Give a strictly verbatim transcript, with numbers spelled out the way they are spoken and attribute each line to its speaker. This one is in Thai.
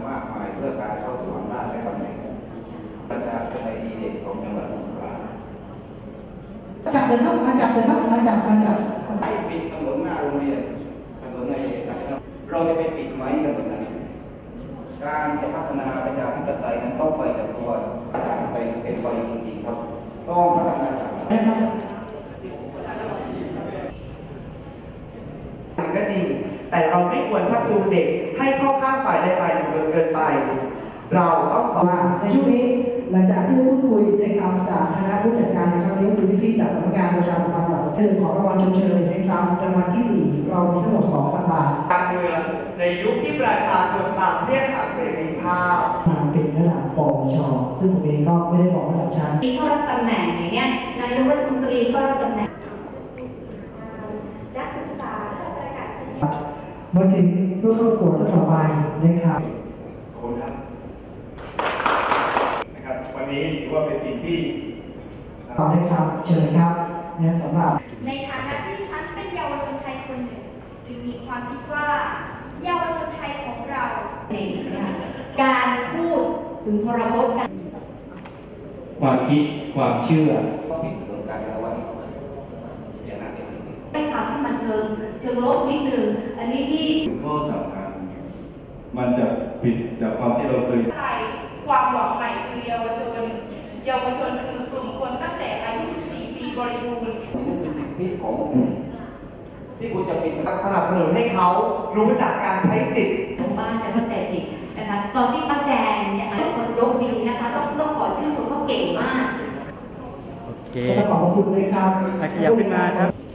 Speaker 1: มากมายเพื่อการเข้าสู่อำนาจและตำแหน่งประชาธิปไตยดีเด่นของจังหวัดสงขลา
Speaker 2: จับเลยครับมาจับเลยครับมาจับมาจับ
Speaker 1: ไปปิดถนนหน้าโรงเรียนถนนในเราจะไปปิดไหมถนนนั้นการจะพัฒนาประชาธิปไตยนั้นต้องไปจากตัวประชาธิปไตยเป็นไปจริงๆครับต้องพัฒนาจาก
Speaker 3: ก็จริงแต่เราไม่ควรชักจูงเด็กให้เข้าข้างฝ่ายใดฝ่ายหนึ่งจนเกินไปเราต้องสอน
Speaker 2: ในช่วงนี้หลังจากที่ได้พูดคุยในคำจากคณะผู้จัดการนะครับนี้คือพี่ๆจากสำนักงานประชาสัมพันธ์เชิญขอรางวัลชมเชยในคำรางวัลที่สี่เรามีทั้งหมด สองพัน บาท
Speaker 3: การเมืองในยุคที่ประชาชนต่างเรียกหาเสรีภาพ
Speaker 2: มาเป็นระดับปวชซึ่งผมเองก็ไม่ได้บอกระดับชั้น
Speaker 4: มีข้อรับตำแหน่งอย่างเงี้ยนายกรัฐมนตรีก็รับตำแหน่งนักศึกษาประกาศ
Speaker 2: มาถึงผู้เข้าประกวดต่อไปนะครับ
Speaker 5: ขอบคุณครับนะครับวันนี้ถือว่าเป็นสิ่งที่
Speaker 2: ขอบคุณครับเชิญครับเนี่ยสำหรับ
Speaker 4: ในฐานะที่ฉันเป็นเยาวชนไทยคนหนึ่งจึงมีความคิดว่าเยาวชนไทยของเราในการพูดถึงพรบการ
Speaker 6: ความคิดความเชื่อ
Speaker 1: ผิดเรื่องการละวันอย่างนั้น
Speaker 4: ไม่ทำให้มันเชิงเชิงลบนิดนึงอันนี้ที่
Speaker 5: ข้อสำคัญมันจะผิดจากความที่เราเคย
Speaker 7: ไทยความหวังใหม่คือเยาวชนเยาวชนคือกลุ่มคนตั้งแต่อายุสิบสี่ปีบริบูรณ์
Speaker 1: นี่เป็นสิทธิของที่คุณจะปิด
Speaker 3: สนับสนุนให้เขารู้จักการใช้สิทธิ์
Speaker 4: ของบ้านจะเข้าใจผิดนะคะตอนที่ป้าแจงเนี่ยคนยกนิ้วนะคะต้องต้องขอชื่อคนเขาเก่งมาก
Speaker 2: โอเคขอบคุณเลยครับ
Speaker 6: ขยับขึ้นมาครับ